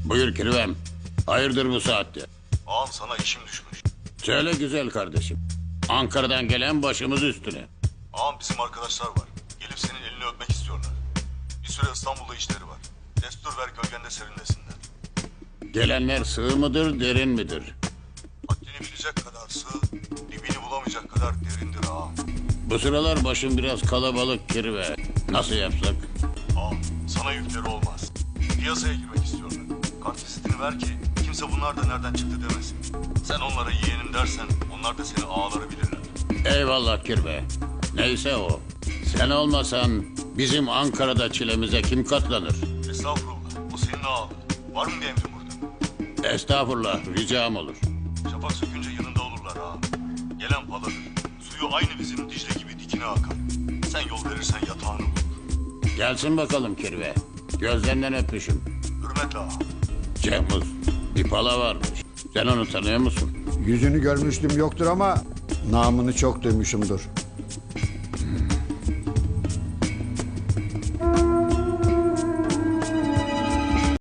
Buyur Kirvem. Hayırdır bu saatte? Ağam sana işim düşmüş. Söyle güzel kardeşim. Ankara'dan gelen başımız üstüne. Ağam bizim arkadaşlar var. Gelip senin elini öpmek istiyorlar. Bir süre İstanbul'da işleri var. Destur ver gölgende serinlesinler. Gelenler sığ mıdır, derin midir? Haddini bilecek kadar sığ, dibini bulamayacak kadar derindir ağam. Bu sıralar başım biraz kalabalık Kirve. Nasıl yapsak? Ağam sana yükleri olmaz. Piyasaya girmek istiyorlar. Kart vizitini ver ki kimse bunlar da nereden çıktı demesin. Sen onlara yeğenim dersen onlar da seni ağaları bilirler. Eyvallah Kirve. Neyse o. Sen olmasan bizim Ankara'da çilemize kim katlanır? Estağfurullah. O senin ağalı. Var mı bir emrin burada? Estağfurullah, ricam olur. Şafak sökünce yanında olurlar ağam. Gelen paladır. Suyu aynı bizim Dicle gibi dikine akar. Sen yol verirsen yatağını bulur. Gelsin bakalım Kirve. Gözlerinden öpüşüm. Hürmetle ağam. Cemuz, bir pala varmış. Sen onu tanıyor musun? Yüzünü görmüştüm yoktur ama namını çok duymuşumdur.